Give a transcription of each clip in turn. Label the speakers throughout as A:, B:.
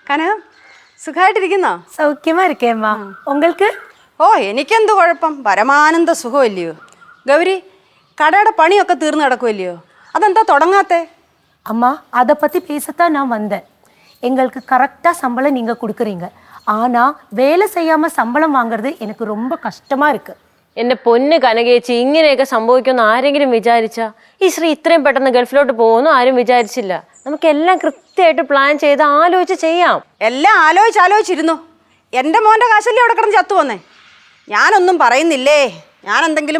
A: കനകം സുഖമായിട്ടിരിക്കുന്നോ?
B: സൗഖ്യമാ ഇരിക്കേമ്മാ. ഉങ്ങൾക്ക്?
A: ഓ എനിക്കെന്ത് കുഴപ്പം, പരമാനന്ദ സുഖമല്ലയോ. ഗൗരി, കടയുടെ പണിയൊക്കെ തീർന്നു കിടക്കുമല്ലയോ, അതെന്താ തുടങ്ങാത്തേ?
B: அம்மா அதை பற்றி பேசத்தான் நான் வந்தேன். எங்களுக்கு கரெக்டாக சம்பளம் நீங்கள் கொடுக்குறீங்க. ஆனால் வேலை செய்யாமல் சம்பளம் வாங்குறது எனக்கு ரொம்ப கஷ்டமாக இருக்குது.
C: എൻ്റെ പൊന്ന് കനകേച്ചി, ഇങ്ങനെയൊക്കെ സംഭവിക്കുമെന്ന് ആരെങ്കിലും വിചാരിച്ചാ? ഈ ശ്രീ ഇത്രയും പെട്ടെന്ന് ഗൾഫിലോട്ട് പോകുമെന്ന് ആരും വിചാരിച്ചില്ല. നമുക്കെല്ലാം കൃത്യമായിട്ട് പ്ലാൻ ചെയ്ത് ആലോചിച്ച് ചെയ്യാം.
A: എല്ലാം ആലോചിച്ചിരുന്നു. എൻ്റെ മോൻ്റെ കാശല്ലേ അവിടെ കിടന്ന് ചത്തു വന്നേ. ഞാനൊന്നും പറയുന്നില്ലേ. ഞാൻ എന്തെങ്കിലും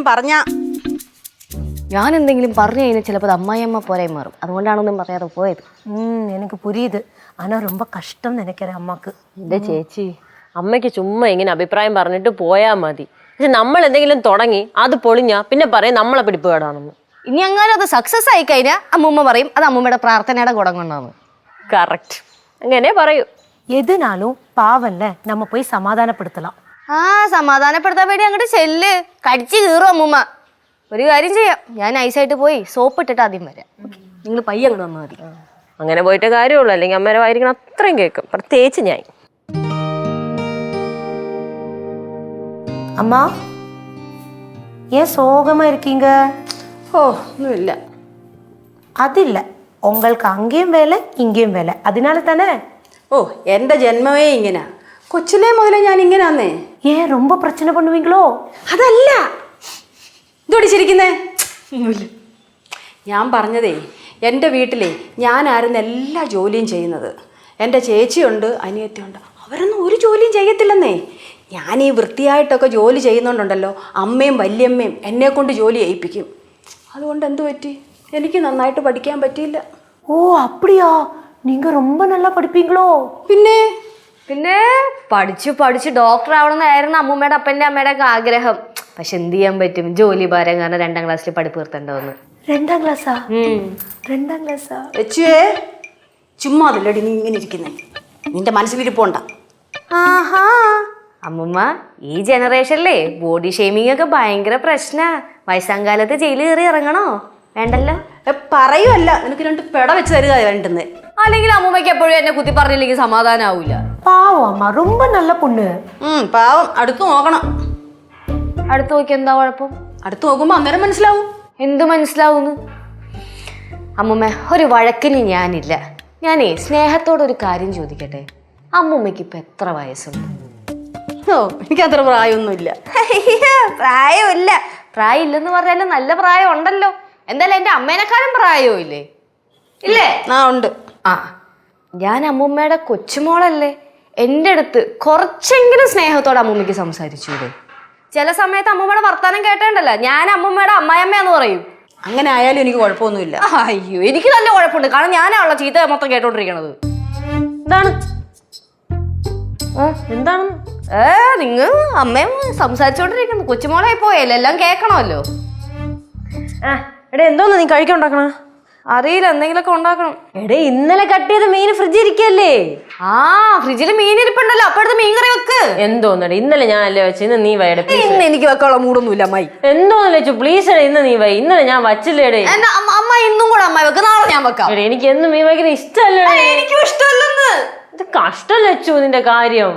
D: പറഞ്ഞു കഴിഞ്ഞാൽ ചിലപ്പോൾ അമ്മായിയമ്മ പോരായി മാറും. അതുകൊണ്ടാണൊന്നും പറയാതെ പോയത്.
B: எனக்கு புரியுது. ஆனால் ரொம்ப கஷ்டம் நினைக்கிறேன் அம்மாக்கு.
C: എൻ്റെ ചേച്ചി, അമ്മയ്ക്ക് ചുമ്മാ ഇങ്ങനെ അഭിപ്രായം പറഞ്ഞിട്ട് പോയാൽ മതി. പക്ഷെ നമ്മൾ എന്തെങ്കിലും തുടങ്ങി അത് പൊളിഞ്ഞാൽ പിന്നെ പറയും നമ്മളെ പിടിപ്പുകേടാണെന്ന്.
D: ഇനി അങ്ങനെ അത് സക്സസ് ആയി കഴിഞ്ഞാൽ അമ്മൂമ്മ പറയും അത് അമ്മൂമ്മയുടെ പ്രാർത്ഥനയുടെ ഗുണം കൊണ്ടാണ്.
C: കറക്റ്റ്, അങ്ങനെ പറയൂ.
B: எதுனாலும் பாவம்ல, நம்ம போய் சமாதானப்படுத்தலாம்.
D: സമാധാനപ്പെടുത്താൻ വേണ്ടി അങ്ങോട്ട് ചെല്ല്, കടിച്ചു കീറും അമ്മൂമ്മ. ഒരു കാര്യം ചെയ്യാം, ഞാൻ ഐസായിട്ട് പോയി സോപ്പ് ഇട്ടിട്ട് ആദ്യം വരാം. നിങ്ങൾ പയ്യെ അങ്ങോട്ട് വന്നാൽ മതി.
C: അങ്ങനെ പോയിട്ട് കാര്യമുള്ളൂ, അല്ലെങ്കിൽ അമ്മേരെ വായിരിക്കണം അത്രയും കേൾക്കും, പ്രത്യേകിച്ച് ഞാൻ.
B: அம்மா ஏன் சோகமாக இருக்கீங்க?
A: ஓ ஒன்றும்.
B: அது இல்லை, உங்களுக்கு அங்கேயும் வேலை இங்கேயும் வேலை, அதனால தானே?
A: ഓ എൻ്റെ ജന്മമേ ഇങ്ങനെ, കൊച്ചിലേ മുതലേ ഞാൻ ഇങ്ങനാന്നേ.
B: ஏன் ரொம்ப பிரச்சனை பண்ணுவீங்களோ?
A: അതല്ല, ഇതോടിച്ചിരിക്കുന്നേ. ഞാൻ പറഞ്ഞതേ, എൻ്റെ വീട്ടിലെ ഞാനായിരുന്നു എല്ലാ ജോലിയും ചെയ്യുന്നത്. എൻ്റെ ചേച്ചിയുണ്ട്, അനിയത്തിയുണ്ട്, അവരൊന്നും ഒരു ജോലിയും ചെയ്യത്തില്ലെന്നേ. ഞാൻ ഈ വൃത്തിയായിട്ടൊക്കെ ജോലി ചെയ്യുന്നുണ്ടല്ലോ, അമ്മയും വല്യമ്മയും എന്നെ കൊണ്ട് ജോലി ചെയ്യിപ്പിക്കും. അതുകൊണ്ട് എന്തു പറ്റി, എനിക്ക് നന്നായിട്ട് പഠിക്കാൻ പറ്റിയില്ല.
B: ഓ அப்படியா? நீங்க ரொம்ப நல்லா படிப்பீங்களோ?
D: പിന്നെ പഠിച്ച് ഡോക്ടർ ആവണമെന്നായിരുന്നു അമ്മൂമ്മയുടെ അപ്പൻ്റെ അമ്മയുടെ ഒക്കെ ആഗ്രഹം. പക്ഷെ എന്ത് ചെയ്യാൻ പറ്റും, ജോലി ഭാരം കാരണം 2ാം ക്ലാസ്സിൽ പഠിപ്പ് നിർത്തേണ്ടതെന്ന്.
B: 2ാം ക്ലാസ്സാ? 2ാം ക്ലാസ്സാ?
A: വെച്ചുവേ ചുമ്മാ അതില്ലടി നീ ഇങ്ങനെ ഇരിക്കുന്നേ, നിന്റെ മനസ്സിലിരിപ്പുണ്ട.
D: ആഹാ, അമ്മൂമ്മ ഈ ജനറേഷനിലേ ബോഡി ഷെയ്മിങ് ഒക്കെ ഭയങ്കര പ്രശ്നാ. വയസ്സാങ്കാലത്ത് ജയിലിൽ കയറി ഇറങ്ങണോ? വേണ്ടല്ലോ.
A: പറയുമല്ല, നിനക്ക് 2 പെട വെച്ച് തരുക വേണ്ടുന്നേ.
D: അല്ലെങ്കിൽ അമ്മൂമ്മയ്ക്ക് എപ്പോഴും എന്നെ കുത്തി പറഞ്ഞില്ലെങ്കിൽ സമാധാനം ആവൂല.
B: പാവം അമ്മ, ரொம்ப നല്ല പൊണ്ണ്.
A: പാവം. അടുത്ത് നോക്കണം.
D: അടുത്ത് നോക്കി എന്താ കുഴപ്പം?
A: അടുത്ത് നോക്കുമ്പോ അന്നേരം മനസ്സിലാവും.
D: എന്ത് മനസ്സിലാവുന്നു? അമ്മൂമ്മ, ഒരു വഴക്കിന് ഞാനില്ല. ഞാനേ സ്നേഹത്തോടൊരു കാര്യം ചോദിക്കട്ടെ, അമ്മൂമ്മയ്ക്ക് ഇപ്പൊ എത്ര വയസ്സുണ്ട്?
A: ഓ എനിക്കത്ര പ്രായമൊന്നുമില്ല.
D: പ്രായമില്ല. പ്രായമില്ലെന്ന് പറഞ്ഞാലും നല്ല പ്രായം ഉണ്ടല്ലോ. എന്തായാലും എൻ്റെ അമ്മേനെക്കാളും പ്രായവും ഇല്ലേ?
A: ഉണ്ട്.
D: ഞാൻ അമ്മൂമ്മയുടെ കൊച്ചുമോളല്ലേ. എൻ്റെ അടുത്ത് കുറച്ചെങ്കിലും സ്നേഹത്തോടെ അമ്മൂമ്മയ്ക്ക് സംസാരിച്ചൂടെ? ചില സമയത്ത് അമ്മൂമ്മയുടെ വർത്താനം കേട്ടേണ്ടല്ല ഞാൻ അമ്മൂമ്മയുടെ അമ്മായിയമ്മയാന്ന് പറയും.
A: അങ്ങനെ ആയാലും എനിക്ക് കുഴപ്പമൊന്നുമില്ല.
D: അയ്യോ, എനിക്ക് നല്ല കുഴപ്പമുണ്ട്. കാരണം ഞാനാണല്ലോ ചീത്ത മൊത്തം കേട്ടോണ്ടിരിക്കണത്.
C: എന്താണ്
D: നിങ്ങൾ അമ്മയും സംസാരിച്ചോണ്ടിരിക്കുന്നു, കൊച്ചുമോളായി പോയല്ലേ, എല്ലാം കേൾക്കണമല്ലോ.
C: എടേ, എന്തോന്ന് നീ കഴിക്കാൻ ഉണ്ടാക്കണ?
D: അറിയില്ല, എന്തെങ്കിലുമൊക്കെ ഉണ്ടാക്കണം.
C: എടേ, ഇന്നലെ കട്ട് ചെയ്ത മീൻ ഫ്രിഡ്ജിൽ ഇരിക്കല്ലേ?
D: ഫ്രിഡ്ജിൽ മീൻ ഇരിപ്പുണ്ടല്ലോ, അപ്പോഴത്തെ മീൻ കറി വെക്ക്.
C: എന്തോന്നടേ, ഇന്നലെ ഞാൻ അല്ലേ വെച്ച്, ഇന്ന് നീ വൈടെ.
D: ഇന്ന് എനിക്ക് വെക്കാനുള്ള മൂടൊന്നുമില്ല അമ്മായി.
C: എന്തോന്ന് വെച്ചു പ്ലീസ് എടേ, ഇന്ന് നീ വൈ. ഇന്നലെ ഞാൻ വച്ചില്ലേടേ.
D: അമ്മ ഇന്നും കൂടെ അമ്മായി വെക്ക്, നാളെ ഞാൻ വെക്കാം.
C: എടേ, എനിക്ക് എന്നും മീൻ വയ്ക്കുന്ന ഇഷ്ടല്ലേ?
D: എനിക്കും ഇഷ്ടമല്ലെന്ന്.
C: ഇത് കഷ്ടം വെച്ചു നിന്റെ കാര്യം.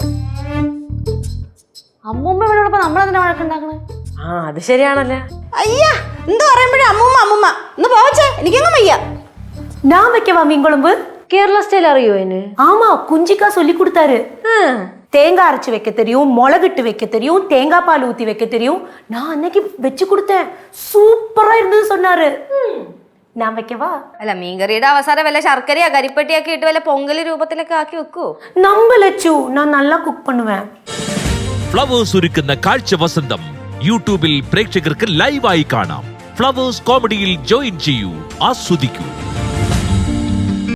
D: അമ്മൂമ്മ ഇവിടെയുള്ളപ്പോ നമ്മളെന്തിനാ വഴക്കുണ്ടാക്കണേ?
C: അത് ശരിയാണല്ലേ.
A: അയ്യാ, എന്താ പറയുമ്പോഴേ അമ്മൂമ്മ ഒന്ന് പോവച്ചേ, എനിക്കങ്ങ് വയ്യ.
B: நான் வைக்கவா மீன் குழம்பு?
C: കേരള സ്റ്റൈൽ അറിയോ അതിന്?
B: ஆமா, குஞ்சிக்கா சொல்லி கொடுத்தாரு. தேங்காய் அரைச்சி வைக்க தெரியும், மிளகிட்டு வைக்க தெரியும், தேங்காய் பால் ஊற்றி வைக்க தெரியும். நான் அன்னைக்கு வச்சு கொடுத்தேன், சூப்பரா இருந்தது சொன்னாரு. ഞാൻ വെക്കവാ?
D: അല്ല, മീൻകറിയുടെ അവസാനം വല്ല ശർക്കരയോ കരിപ്പട്ടിയൊക്കെ ഇട്ട് വല്ല പൊങ്കല് രൂപത്തിലൊക്കെ ആക്കി വെക്കൂ.
B: നമ്പലച്ചു, ഞാൻ നല്ല കുക്ക് பண்ணுவேன்.
E: ഫ്ലവേഴ്സ് ഒരുക്കുന്ന കാഴ്ച വസന്തം യൂട്യൂബിൽ പ്രേക്ഷകർക്ക് ലൈവായി കാണാം. ഫ്ലവേഴ്സ് കോമഡിയിൽ ജോയിൻ ചെയ്യൂ, ആസ്വദിക്കൂ.